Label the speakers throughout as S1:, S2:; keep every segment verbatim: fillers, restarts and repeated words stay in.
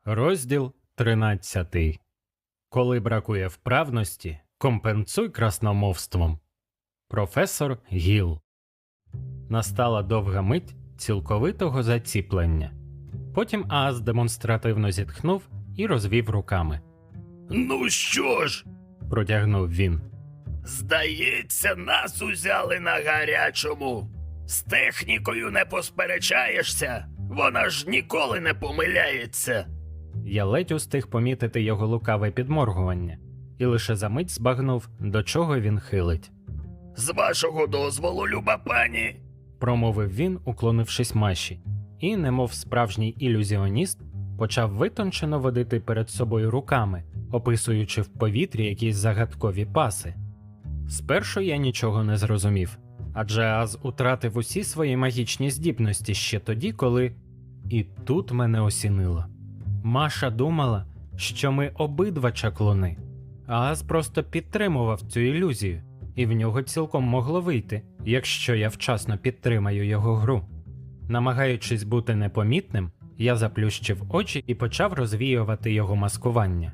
S1: Розділ тринадцятий. Коли бракує вправності, компенсуй красномовством. Професор Гіл. Настала довга мить цілковитого заціплення. Потім Ааз демонстративно зітхнув і розвів руками.
S2: «Ну що ж?»
S1: – протягнув він.
S2: «Здається, нас узяли на гарячому. З технікою не посперечаєшся, вона ж ніколи не помиляється».
S1: Я ледь устиг помітити його лукаве підморгування, і лише за мить збагнув, до чого він хилить.
S2: «З вашого дозволу, люба пані»,
S1: – промовив він, уклонившись Маші, і, немов справжній ілюзіоніст, почав витончено водити перед собою руками, описуючи в повітрі якісь загадкові паси. Спершу я нічого не зрозумів, адже Ааз утратив усі свої магічні здібності ще тоді, коли… І тут мене осінило. Маша думала, що ми обидва чаклуни. Ааз просто підтримував цю ілюзію, і в нього цілком могло вийти, якщо я вчасно підтримаю його гру. Намагаючись бути непомітним, я заплющив очі і почав розвіювати його маскування.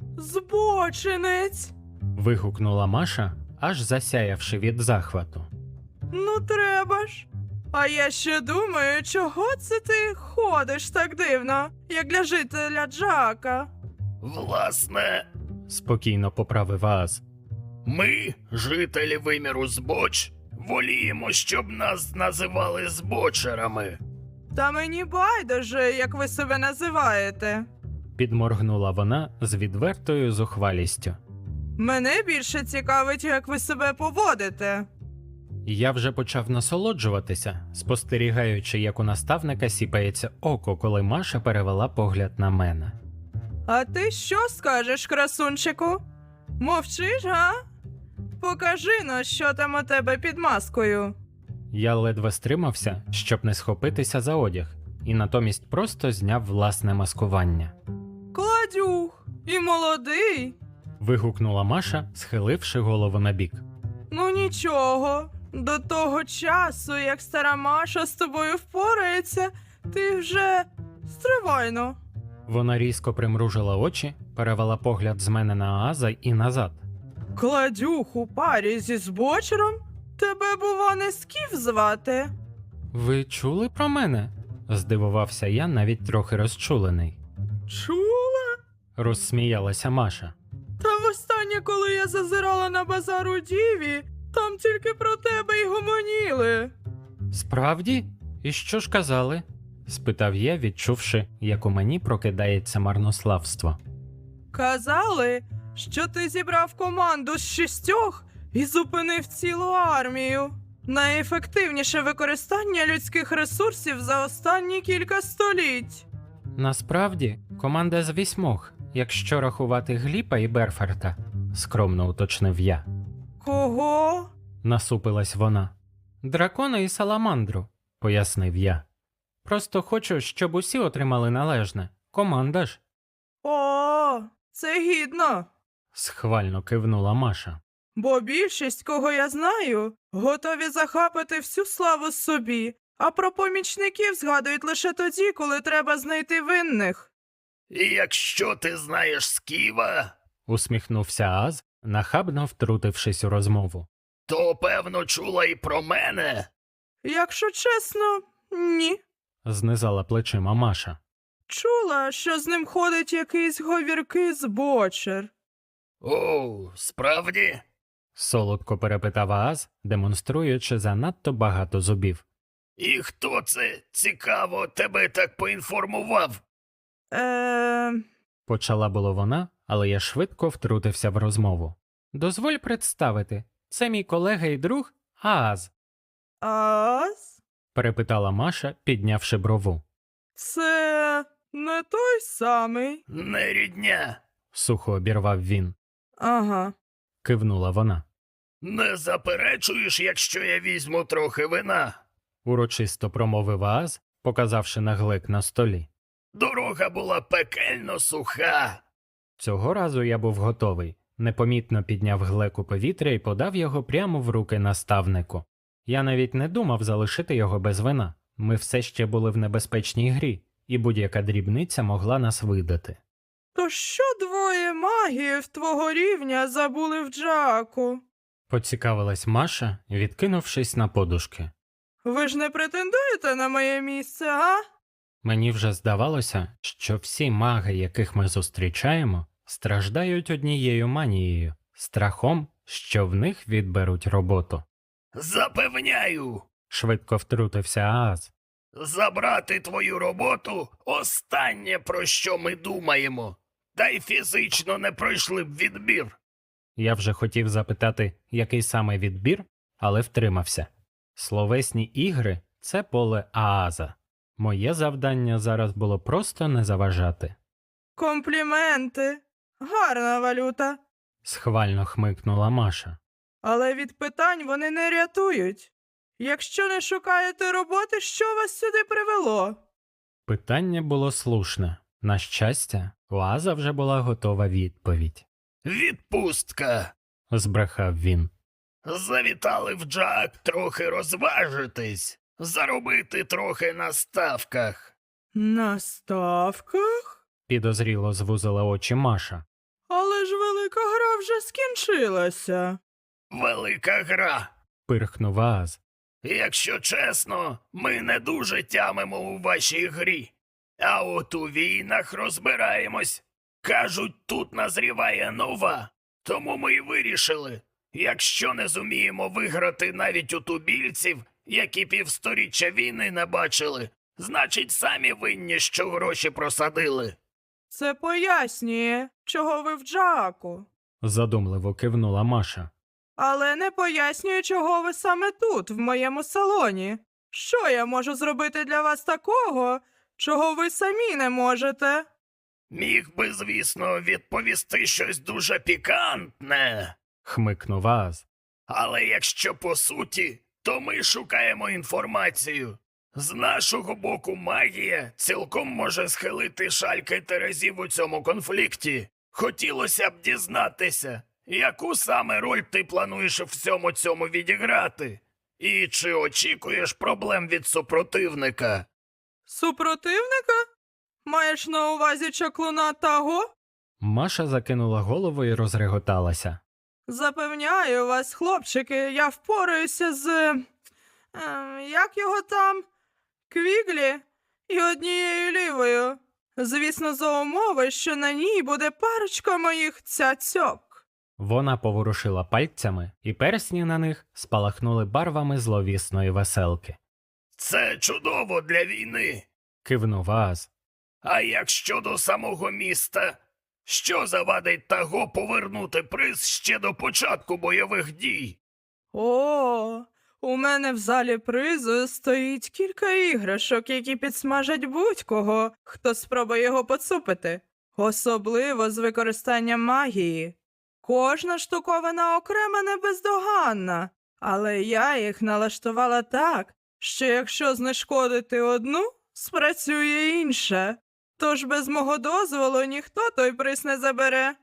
S3: «Збочинець!» –
S1: вигукнула Маша, аж засяявши від захвату.
S3: «Ну треба ж! А я ще думаю, чого це ти ходиш так дивно, як для жителя Джака?»
S2: «Власне,
S1: Спокійно поправив Ааз.
S2: ми, жителі виміру збоч, воліємо, щоб нас називали збочерами».
S3: «Та мені байдуже, як ви себе називаєте.
S1: Підморгнула вона з відвертою зухвалістю.
S3: Мене більше цікавить, як ви себе поводите».
S1: Я вже почав насолоджуватися, спостерігаючи, як у наставника сіпається око, коли Маша перевела погляд на мене.
S3: «А ти що скажеш, красунчику? Мовчиш, га? Покажи но, що там у тебе під маскою».
S1: Я ледве стримався, щоб не схопитися за одяг, і натомість просто зняв власне маскування.
S3: «Кладюх! І молодий!»
S1: – вигукнула Маша, схиливши голову набік.
S3: «Ну нічого, до того часу, як стара Маша з тобою впорається, ти вже стривайно».
S1: Вона різко примружила очі, перевела погляд з мене на Ааза і назад.
S3: «Кладюх у парі зі збочером? Тебе, бува, не Скіф звати?»
S1: «Ви чули про мене?» – здивувався я, навіть трохи розчулений.
S3: «Чула?
S1: Розсміялася Маша.
S3: Та востаннє, коли я зазирала на базар у Діві, там тільки про тебе й гомоніли».
S1: «Справді? І що ж казали?» – спитав я, відчувши, як у мені прокидається марнославство.
S3: «Казали, що ти зібрав команду з шістьох і зупинив цілу армію. Найефективніше використання людських ресурсів за останні кілька століть».
S1: «Насправді, команда з вісьмох, якщо рахувати Гліпа і Берферта», – скромно уточнив я.
S3: «Кого?»
S1: – насупилась вона. «Дракона і Саламандру», – пояснив я. «Просто хочу, щоб усі отримали належне. Команда ж».
S3: «О, це гідно.
S1: Схвально кивнула Маша.
S3: Бо більшість, кого я знаю, готові захапати всю славу собі, а про помічників згадують лише тоді, коли треба знайти винних».
S2: «І якщо ти знаєш Сківа,
S1: Усміхнувся Ааз, нахабно втрутившись у розмову.
S2: то, певно, чула і про мене».
S3: «Якщо чесно, ні.
S1: Знизала плечима Маша.
S3: Чула, що з ним ходить якийсь говіркий збочер».
S2: «О, справді?»
S1: Солодко перепитав Ааз, демонструючи занадто багато зубів.
S2: «І хто це, цікаво, тебе так поінформував?»
S3: Е...
S1: Почала було вона, але я швидко втрутився в розмову. «Дозволь представити, це мій колега і друг Ааз»,
S3: Ас?
S1: перепитала Маша, піднявши брову.
S3: Це не той самий?»
S2: «Не рідня.
S1: Сухо обірвав він.
S3: «Ага.
S1: Кивнула вона.
S2: Не заперечуєш, якщо я візьму трохи вина?»
S1: Урочисто промовив Ааз, показавши на глек на столі.
S2: «Дорога була пекельно суха».
S1: Цього разу я був готовий. Непомітно підняв глек у повітря і подав його прямо в руки наставнику. Я навіть не думав залишити його без вина. Ми все ще були в небезпечній грі, і будь-яка дрібниця могла нас видати.
S3: То що двоє магіїв твого рівня забули в Джаку?
S1: Поцікавилась Маша, відкинувшись на подушки.
S3: Ви ж не претендуєте на моє місце, а?
S1: Мені вже здавалося, що всі маги, яких ми зустрічаємо, страждають однією манією – страхом, що в них відберуть роботу.
S2: Запевняю,
S1: Швидко втрутився Ааз.
S2: забрати твою роботу – останнє, про що ми думаємо. Та й фізично не пройшли б відбір.
S1: Я вже хотів запитати, який саме відбір, але втримався. Словесні ігри – це поле Ааза. Моє завдання зараз було просто не заважати.
S3: Компліменти. Гарна валюта.
S1: Схвально хмикнула Маша.
S3: Але від питань вони не рятують. Якщо не шукаєте роботи, що вас сюди привело?
S1: Питання було слушне. На щастя, у Ааза вже була готова відповідь.
S2: Відпустка.
S1: Збрехав він.
S2: Завітали в Джак трохи розважитись, заробити трохи на ставках.
S3: На ставках?
S1: Підозріло звузила очі Маша.
S3: Але ж велика гра вже скінчилася.
S2: Велика гра.
S1: Пирхнув Ааз.
S2: Якщо чесно, ми не дуже тямимо у вашій грі. А от у війнах розбираємось. Кажуть, тут назріває нова. Тому ми й вирішили, якщо не зуміємо виграти навіть у тубільців, які півсторіччя війни не бачили, значить самі винні, що гроші просадили.
S3: Це пояснює, чого ви в Джаку.
S1: Задумливо кивнула Маша.
S3: Але не пояснює, чого ви саме тут, в моєму салоні. Що я можу зробити для вас такого, чого ви самі не можете?
S2: Міг би, звісно, відповісти щось дуже пікантне.
S1: Хмикнув Ааз.
S2: Але якщо по суті, то ми шукаємо інформацію. З нашого боку магія цілком може схилити шальки терезів у цьому конфлікті. Хотілося б дізнатися, яку саме роль ти плануєш в всьому цьому відіграти? І чи очікуєш проблем від супротивника?
S3: Супротивника? Маєш на увазі чаклуна Таго?
S1: Маша закинула голову і розреготалася.
S3: Запевняю вас, хлопчики, я впораюся з... Е, як його там? Квіглі і однією лівою. Звісно, за умови, що на ній буде парочка моїх цяцьок.
S1: Вона поворушила пальцями, і персні на них спалахнули барвами зловісної веселки.
S2: Це чудово для війни.
S1: Кивнув Ааз.
S2: А як щодо самого міста? Що завадить Таго повернути приз ще до початку бойових дій?
S3: О, у мене в залі призу стоїть кілька іграшок, які підсмажать будь-кого, хто спробує його поцупити. Особливо з використанням магії. Кожна штуковина окрема не бездоганна, але я їх налаштувала так, що якщо знешкодити одну, спрацює інша. Тож без мого дозволу ніхто той приз не забере.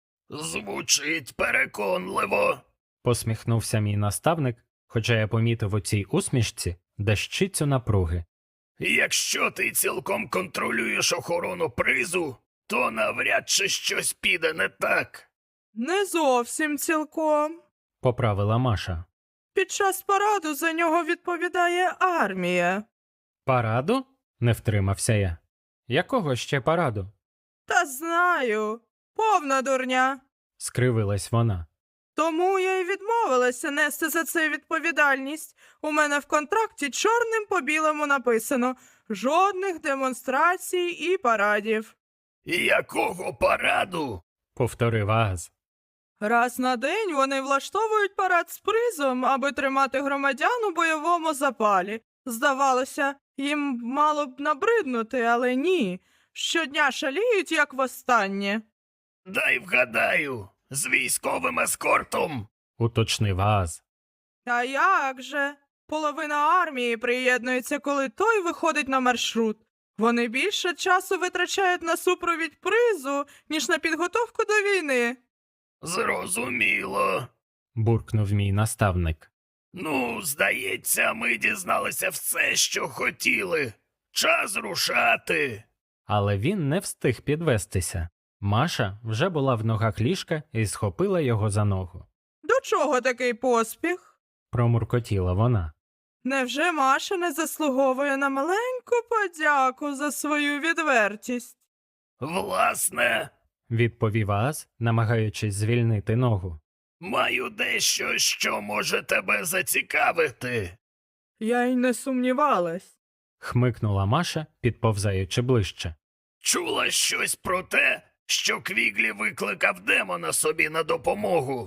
S2: Звучить переконливо.
S1: Посміхнувся мій наставник, хоча я помітив у цій усмішці дещицю напруги.
S2: Якщо ти цілком контролюєш охорону призу, то навряд чи щось піде не так.
S3: Не зовсім цілком.
S1: Поправила Маша.
S3: Під час параду за нього відповідає армія.
S1: Параду? Не втримався я. Якого ще параду?
S3: Та знаю, повна дурня.
S1: Скривилась вона.
S3: Тому я й відмовилася нести за це відповідальність. У мене в контракті чорним по білому написано «Жодних демонстрацій і парадів».
S2: Якого параду?
S1: Повторив Ааз.
S3: Раз на день вони влаштовують парад з призом, аби тримати громадян у бойовому запалі. Здавалося, їм мало б набриднути, але ні. Щодня шаліють, як востаннє.
S2: Дай вгадаю, з військовим ескортом.
S1: Уточнив Ааз.
S3: А як же? Половина армії приєднується, коли той виходить на маршрут. Вони більше часу витрачають на супровідь призу, ніж на підготовку до війни.
S2: Зрозуміло.
S1: Буркнув мій наставник.
S2: Ну, здається, ми дізналися все, що хотіли. час рушати.
S1: Але він не встиг підвестися. Маша вже була в ногах ліжка і схопила його за ногу.
S3: До чого такий поспіх?
S1: Промуркотіла вона.
S3: Невже Маша не заслуговує на маленьку подяку за свою відвертість?
S2: Власне,
S1: Відповів Ааз, намагаючись звільнити ногу.
S2: маю дещо, що може тебе зацікавити.
S3: Я й не сумнівалась.
S1: Хмикнула Маша, підповзаючи ближче.
S2: Чула щось про те, що Квіглі викликав демона собі на допомогу.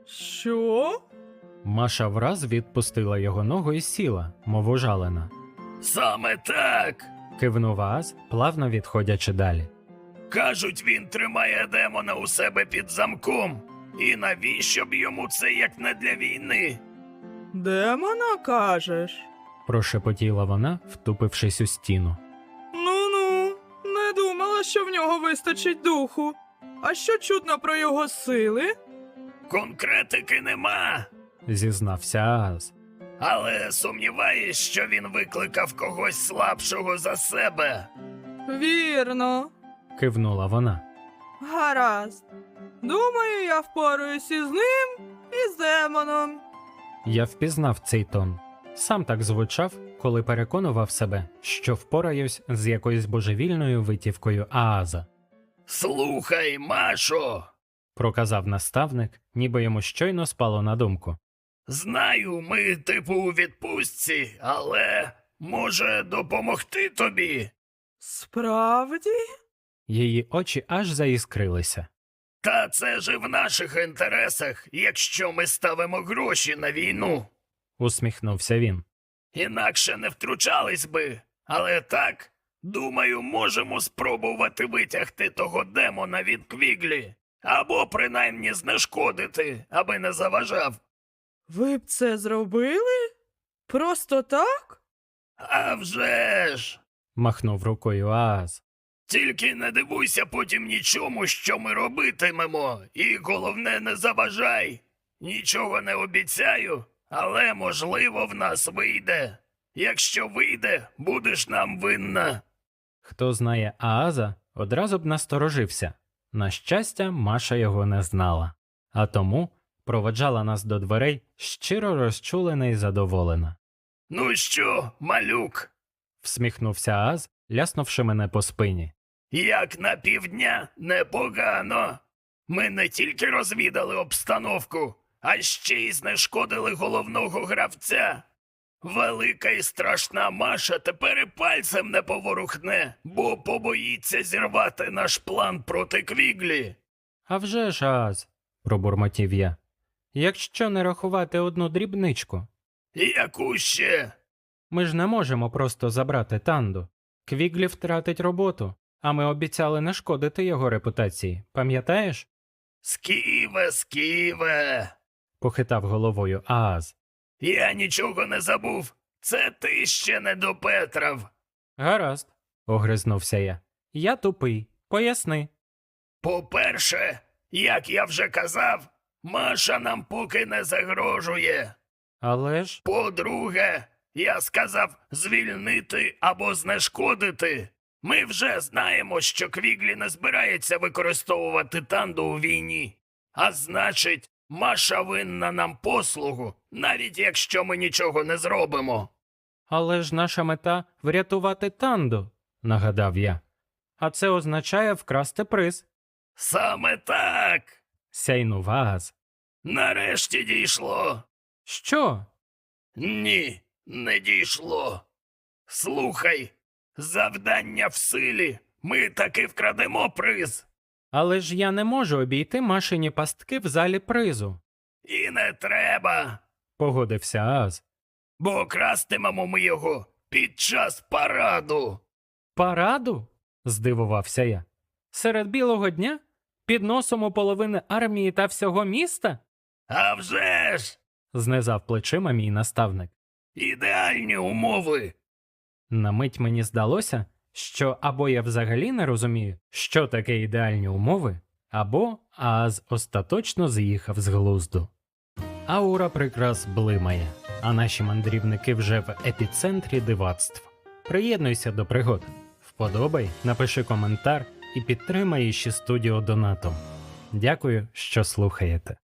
S3: Що?
S1: Маша враз відпустила його ногу і сіла, мов ужалена.
S2: Саме так.
S1: Кивнув Ааз, плавно відходячи далі.
S2: Кажуть, він тримає демона у себе під замком. І навіщо б йому це, як не для війни?
S3: Демона, кажеш?
S1: Прошепотіла вона, втупившись у стіну.
S3: Ну-ну, не думала, що в нього вистачить духу. А що чутно про його сили?
S2: Конкретики нема.
S1: Зізнався Ааз.
S2: Але сумніваюсь, що він викликав когось слабшого за себе.
S3: Вірно.
S1: Кивнула вона.
S3: Гаразд. Думаю, я впораюсь із ним і з демоном.
S1: Я впізнав цей тон. Сам так звучав, коли переконував себе, що впораюсь з якоюсь божевільною витівкою Ааза.
S2: Слухай, Машо,
S1: Проказав наставник, ніби йому щойно спало на думку.
S2: знаю, ми типу у відпустці, але може допомогти тобі?
S3: Справді?
S1: Її очі аж заіскрилися.
S2: Та це ж і в наших інтересах, якщо ми ставимо гроші на війну.
S1: Усміхнувся він.
S2: Інакше не втручались би, але так, думаю, можемо спробувати витягти того демона від Квіглі, або принаймні знешкодити, аби не заважав.
S3: Ви б це зробили? Просто так?
S2: А вже ж!
S1: Махнув рукою Ааз.
S2: Тільки не дивуйся потім нічому, що ми робитимемо, і головне не заважай. Нічого не обіцяю, але можливо в нас вийде. Якщо вийде, будеш нам винна.
S1: Хто знає Ааза, одразу б насторожився. На щастя, Маша його не знала. А тому проводжала нас до дверей, щиро розчулена і задоволена.
S2: Ну що, малюк,
S1: Всміхнувся Ааз, ляснувши мене по спині.
S2: як на півдня непогано. Ми не тільки розвідали обстановку, а ще й знешкодили головного гравця. Велика і страшна Маша тепер і пальцем не поворухне, бо побоїться зірвати наш план проти Квіглі.
S1: «А вже ж, Ааз», – пробурмотів я. «Якщо не рахувати одну дрібничку,
S2: Яку ще?
S1: ми ж не можемо просто забрати Танду. Квіглі втратить роботу, а ми обіцяли не шкодити його репутації, пам'ятаєш?»
S2: Сківе, сківе.
S1: Похитав головою Ааз.
S2: Я нічого не забув. Це ти ще не допетрав.
S1: «Гаразд», – огризнувся я. «Я тупий. Поясни».
S2: По-перше, як я вже казав, Маша нам поки не загрожує.
S1: «Але ж...»
S2: По-друге, я сказав звільнити або знешкодити. Ми вже знаємо, що Квіглі не збирається використовувати Танду у війні. А значить, Маша винна нам послугу, навіть якщо ми нічого не зробимо.
S1: «Але ж наша мета – врятувати Танду», – нагадав я. «А це означає вкрасти приз»,
S2: Саме так.
S1: – сяйнув Ааз.
S2: Нарешті дійшло.
S1: «Що?»
S2: Ні, не дійшло. Слухай, завдання в силі. Ми таки вкрадемо приз.
S1: «Але ж я не можу обійти Машині пастки в залі призу»,
S2: І не треба,
S1: – погодився Ааз.
S2: бо крастимемо ми його під час параду.
S1: «Параду?» – здивувався я. «Серед білого дня? Під носом у половини армії та всього міста?»
S2: А вже ж!
S1: Знизав плечима мій наставник.
S2: Ідеальні умови.
S1: На мить мені здалося, що або я взагалі не розумію, що таке ідеальні умови, або Ааз остаточно з'їхав з глузду. Аура прикрас блимає, а наші мандрівники вже в епіцентрі дивацтв. Приєднуйся до пригод. Вподобай, напиши коментар і підтримай Іші Студіо донатом. Дякую, що слухаєте.